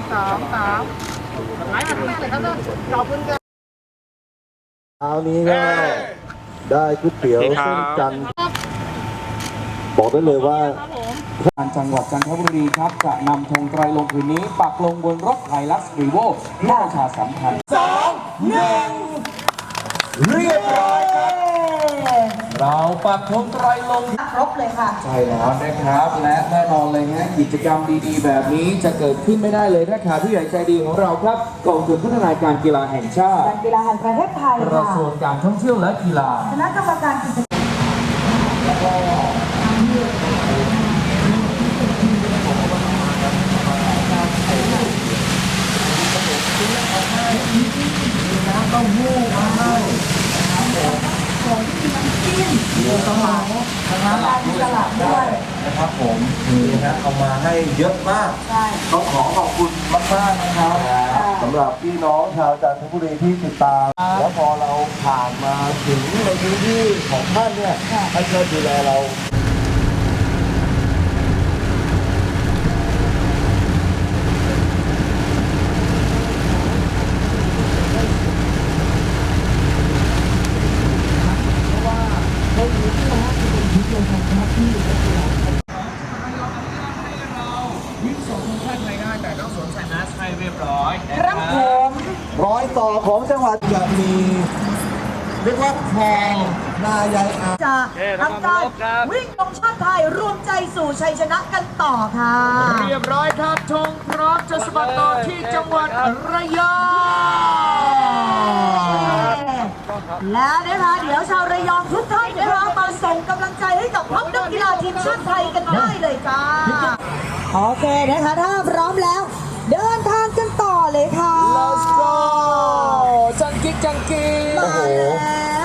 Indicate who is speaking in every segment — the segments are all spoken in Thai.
Speaker 1: 2 3ไหลมาข้างหน้าเลยครับเนอะขอบคุณครับ
Speaker 2: เช้านี้ก็ได้ก๋วยเตี๋ยวเส้นจันทร์บอกได้เลยว่า
Speaker 3: การจังหวัดจันทบุรีครับจะนำธงไตรลงค์ผืนนี้ปักลงบนรถไฮลักซ์รีโวเพื่อประชาสัมพันธ์เรียบร้อยครับเราปักธงไตรลงค์
Speaker 4: ครบเลยค่ะ
Speaker 3: ใช่แล้วนะครับและแน่นอนเลยนะกิจกรรมดีๆแบบนี้จะเกิดขึ้นไม่ได้เลยถ้าขาดผู้ใหญ่ใจดีของเราครับกองทุนพัฒนาการกีฬาแห่งชาติ
Speaker 4: การกีฬาแห่งประเทศไทย
Speaker 3: กระ
Speaker 4: ค่ะ
Speaker 3: ทรวงการท่องเที่ยวและกีฬา
Speaker 4: คณะกรรมการกิจกรรม
Speaker 3: ตลาดด้วยนะครับผมนี่นะเอามาให้เยอะมาก
Speaker 4: ใช่
Speaker 2: ต้องขอขอบคุณมากๆนะครับสำหรับพี่น้องชาวจันทบุรีที่ติดตาม แล้วพอเราผ่านมาถึงในพื้นที่ของท่านเนี่ยท่านก็ดูแลเรา
Speaker 3: วิ่งส่งทีมชาติไทยได้แต่ต้องสวมใส่แมสให้เรียบร้อย
Speaker 4: ครับผม
Speaker 2: รอยต่อของจังหวัดจะมีเรียกว่าคลองนายายอา
Speaker 4: จะทำการวิ่งธงชาติไทยรวมใจสู่ชัยชนะกันต่อค่ะ
Speaker 3: เรียบร้อยครับธงพร้อมจะสะบัดต่อที่จังหวัดระยอง
Speaker 4: แล้วนะคะเดี๋ยวชาวระยองทุกท่านนะคะมาส่งกำลังใจให้กับทัพนักกีฬาทีมชาติไทยกันได้เลยจ้าโอเคนะคะถ้าพร้อมแล้ว เดินทางกันต่อเลยค่ะ
Speaker 3: Let's go จังกิ๊กจังกิ๊ก
Speaker 4: มาแล้ว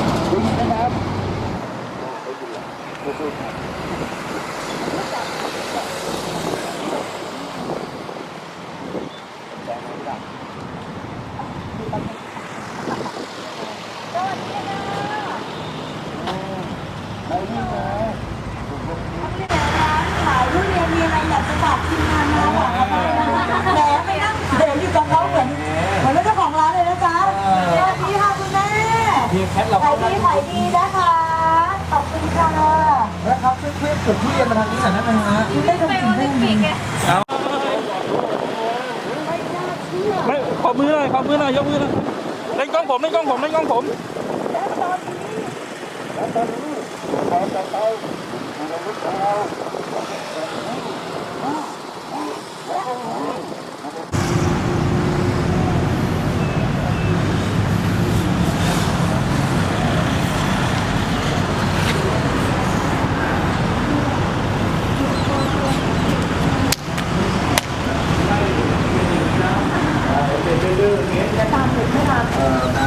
Speaker 4: ขายทุเรียนมีอะไรอยากจะฝากทีมงานมาบอกเขาบ้างนะแหมไปนั่งเดี๋ยวอยู่กับเขาเหมือนเจ้าของร้านเลยนะจ๊ะสวัสดีค่ะคุณแม่
Speaker 3: พี่แคทเรา
Speaker 4: ขายดีขายดีนะคะ ขอบคุณค่ะ
Speaker 3: นะครับช่วยเคลื่อนเก็บทุเรียนมาทางนี้หน่อยได้ไหมฮะ
Speaker 4: ได้ตรงถึงได้ไหม
Speaker 5: ไม่ขอมือหน่อยขอมือหน่อยยกมือหน่อยเล่นกล้องผมเล่นกล้องผมเล่นกล้องผม
Speaker 4: จะตามถึงไม่ทัน
Speaker 3: น้